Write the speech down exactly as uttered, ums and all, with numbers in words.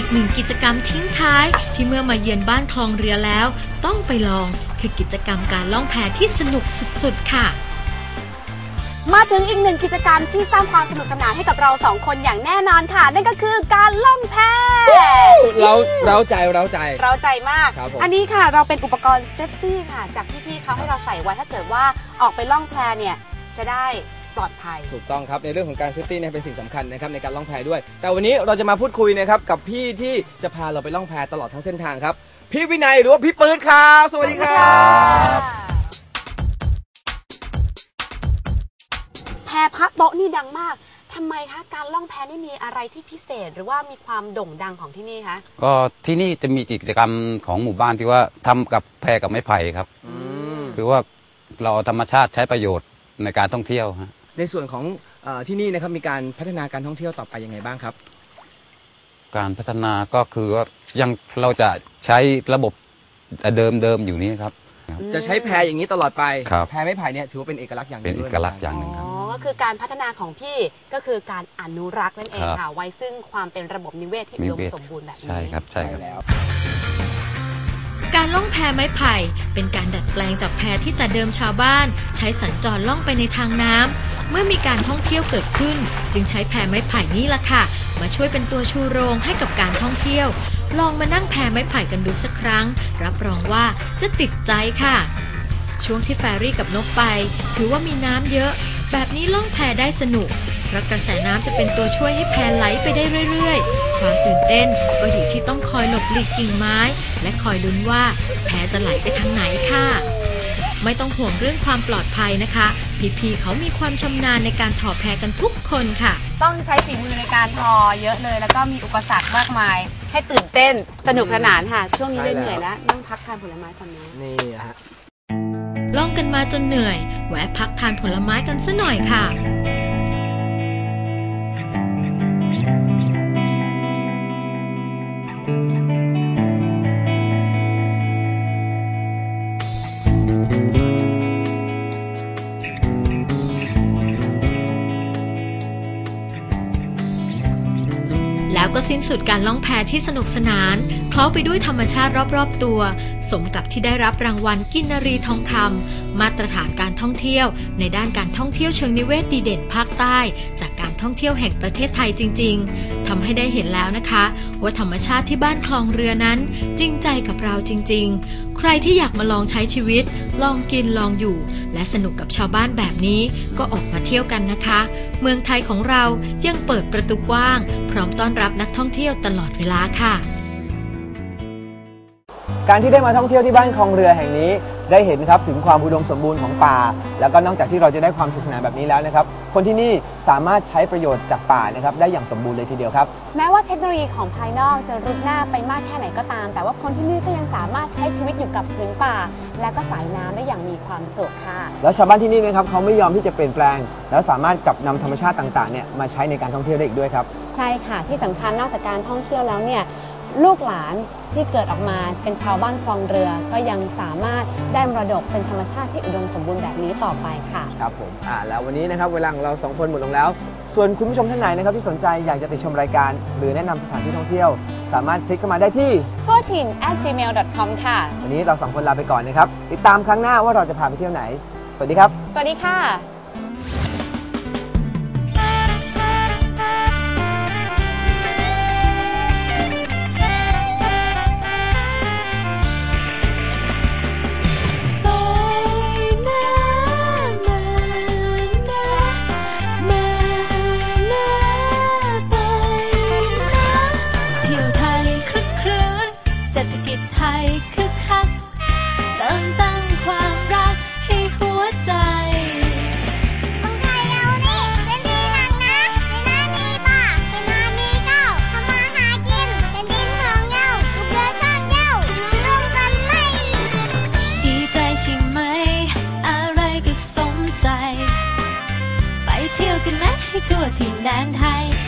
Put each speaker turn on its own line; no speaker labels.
กหนึ่งกิจกรรมทิ้งท้ายที่เมื่อมาเยือนบ้านคลองเรือแล้วต้องไปลองคือกิจกรรมการล่องแพที่สนุกสุดๆค่ะ
มาถึงอีกหนึ่งกิจกรรมที่สร้างความสนุกสนานให้กับเราสองคนอย่างแน่นอนค่ะนั่นก็คือการล่องแพ
เราเราใจเราใจ
เราใจมากอันนี้ค่ะเราเป็นอุปกรณ์เซฟตี้ค่ะจากพี่ๆเขาให้เราใส่ไว้ถ้าเกิดว่าออกไปล่องแพเนี่ยจะได้ปลอดภัย
ถูกต้องครับในเรื่องของการเซฟตี้เนี่ยเป็นสิ่งสำคัญนะครับในการล่องแพด้วยแต่วันนี้เราจะมาพูดคุยนะครับกับพี่ที่จะพาเราไปล่องแพตลอดทั้งเส้นทางครับพี่วินัยหรือว่าพี่ปื๊ดครับสวัสดีครับ
แพพักโต๊ะนี่ดังมากทำไมคะการล่องแพนี่มีอะไรที่พิเศษหรือว่ามีความโด่งดังของที่นี่คะ
ก็ที่นี่จะมีกิจกรรมของหมู่บ้านที่ว่าทำกับแพกับไม้ไผ่ครับคือว่าเราธรรมชาติใช้ประโยชน์ในการท่องเที่ยวฮะ
ในส่วนของที่นี่นะครับมีการพัฒนาการท่องเที่ยวต่อไปยังไงบ้างครับ
การพัฒนาก็คือว่ายังเราจะใช้ระบบเดิมเดิมอยู่นี้ครับ
จะใช้แพอย่างนี้ตลอดไปแพไม้ไผ่เนี่ยถือว่าเป็นเอกลักษณ์อย่างหนึ่ง
เป็นเอกลักษณ์อย่างหนึ่งครับ
อ๋อก็คือการพัฒนาของพี่ก็คือการอนุรักษ์นั่นเองค่ะไว้ซึ่งความเป็นระบบนิเวศที่อุดมสมบูรณ์แบบนี้
ใช่ครับใช่แล้ว
การล่องแพไม้ไผ่เป็นการดัดแปลงจากแพที่แต่เดิมชาวบ้านใช้สัญจรล่องไปในทางน้ำเมื่อมีการท่องเที่ยวเกิดขึ้นจึงใช้แพไม้ไผ่นี่ล่ะค่ะมาช่วยเป็นตัวชูโรงให้กับการท่องเที่ยวลองมานั่งแพไม้ไผ่กันดูสักครั้งรับรองว่าจะติดใจค่ะช่วงที่แฟรี่กับนกไปถือว่ามีน้ำเยอะแบบนี้ล่องแพได้สนุกเพราะกระแสน้ำจะเป็นตัวช่วยให้แพไหลไปได้เรื่อยๆความตื่นเต้นก็อยู่ที่ต้องคอยหลบหลีกกิ่งไม้และคอยลุ้นว่าแพจะไหลไปทางไหนค่ะไม่ต้องห่วงเรื่องความปลอดภัยนะคะพี่ๆเขามีความชำนาญในการถอแพกันทุกคนค่ะ
ต้องใช้ฝีมือในการทอเยอะเลยแล้วก็มีอุปสรรคมากมายให้ตื่นเต้นสนุกสนานค่ะช่วงนี้เหนื่อยแล้วนั่งพักทานผลไม้ก่อนนะ
นี่ฮะ
ล่องกันมาจนเหนื่อยแวะพักทานผลไม้กันซะหน่อยค่ะแล้วก็สิ้นสุดการล่องแพที่สนุกสนานเคล้าไปด้วยธรรมชาติรอบๆตัวสมกับที่ได้รับรางวัลกินนรีทองคำมาตรฐานการท่องเที่ยวในด้านการท่องเที่ยวเชิงนิเวศดีเด่นภาคใต้จากการท่องเที่ยวแห่งประเทศไทยจริงๆทำให้ได้เห็นแล้วนะคะว่าธรรมชาติที่บ้านคลองเรือนั้นจริงใจกับเราจริงๆใครที่อยากมาลองใช้ชีวิตลองกินลองอยู่และสนุกกับชาวบ้านแบบนี้ก็ออกมาเที่ยวกันนะคะเมืองไทยของเรายังเปิดประตูกว้างพร้อมต้อนรับนักท่องเที่ยวตลอดเวลาค่ะ
การที่ได้มาท่องเที่ยวที่บ้านคลองเรือแห่งนี้ได้เห็นครับถึงความอุดมสมบูรณ์ของป่าแล้วก็นอกจากที่เราจะได้ความสนุกสนานแบบนี้แล้วนะครับคนที่นี่สามารถใช้ประโยชน์จากป่านะครับได้อย่างสมบูรณ์เลยทีเดียวครับ
แม้ว่าเทคโนโลยีของภายนอกจะรุดหน้าไปมากแค่ไหนก็ตามแต่ว่าคนที่นี่ก็ยังสามารถใช้ชีวิตอยู่กับพื้นป่าและก็สายน้ำได้อย่างมีความสุขค่ะ
แล้วชาวบ้านที่นี่นะครับเขาไม่ยอมที่จะเปลี่ยนแปลงแล้วสามารถกลับนำธรรมชาติต่างๆเนี่ยมาใช้ในการท่องเที่ยวได้อีกด้วยครับ
ใช่ค่ะที่สำคัญนอกจากการท่องเที่ยวแล้วเนี่ยลูกหลานที่เกิดออกมาเป็นชาวบ้านคลองเรือก็ยังสามารถได้มรดกเป็นธรรมชาติที่อุดมสมบูรณ์แบบนี้ต่อไปค่ะ
ครับผมอ่าแล้ววันนี้นะครับเวลาของเราสองคนหมดลงแล้วส่วนคุณผู้ชมท่านไหนนะครับที่สนใจอยากจะติดชมรายการหรือแนะนำสถานที่ท่องเที่ยวสามารถคลิกเข้ามาได้ที่
ทั่วถิ่น แอท จีเมล ดอท คอม ค่ะ
วันนี้เราสองคนลาไปก่อนนะครับติดตามครั้งหน้าว่าเราจะพาไปเที่ยวไหนสวัสดีครับ
สวัสดีค่ะ
ไปเที่ยวกันไหมให้ทั่วถิ่นแดนไทย